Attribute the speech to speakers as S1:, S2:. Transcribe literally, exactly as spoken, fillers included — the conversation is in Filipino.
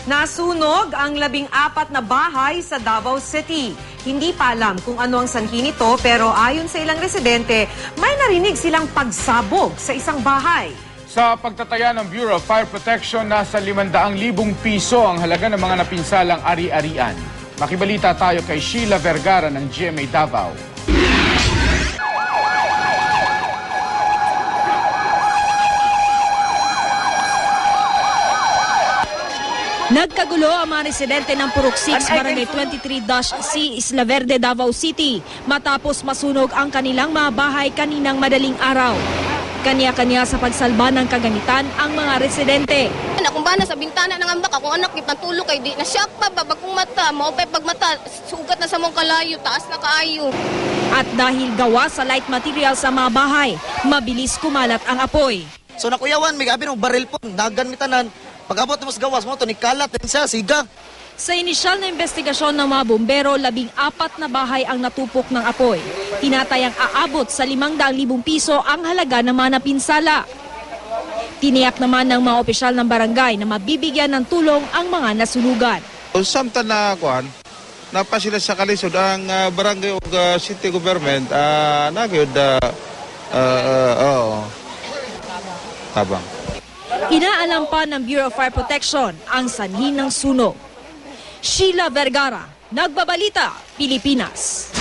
S1: Nasunog ang labing apat na bahay sa Davao City. Hindi pa alam kung ano ang sanhi nito pero ayon sa ilang residente, may narinig silang pagsabog sa isang bahay.
S2: Sa pagtataya ng Bureau of Fire Protection, nasa limandang libong piso ang halaga ng mga napinsalang ari-arian. Makibalita tayo kay Sheila Vergara ng G M A Davao.
S3: Nagkagulo ang mga residente ng Purok six, Barangay twenty-three C, Isla Verde, Davao City matapos masunog ang kanilang mga bahay kaninang madaling araw. Kanya-kanya sa pagsalba ng kaganitan ang mga residente.
S4: Kung ba na sa bintana ng ambak, akong anak ipantulog kay di na siya pa babagong mata, maupay pagmata, sugat na sa mong kalayo, taas na kaayo.
S3: At dahil gawa sa light material sa mga bahay, mabilis kumalat ang apoy.
S5: So nakuyawan, may gabi ng baril po, naganmitanan. Pag-abot mo sa gawas mo, ito ni kalat din siya, siga.
S3: Sa inisyal na investigasyon ng mga bombero, labing apat na bahay ang natupok ng apoy. Tinatayang aabot sa limang daang libong piso ang halaga ng mga napinsala. Tiniyak naman ng mga opisyal ng barangay na mabibigyan ng tulong ang mga nasunugan.
S6: Samtang na kuan, napa sila sa kalisod ang uh, barangay o uh, city government, uh, nagyod, uh, uh, uh, oh, tabang.
S3: Inaalam pa ng Bureau of Fire Protection ang sanhi ng sunog. Sheila Vergara, Nagbabalita, Pilipinas.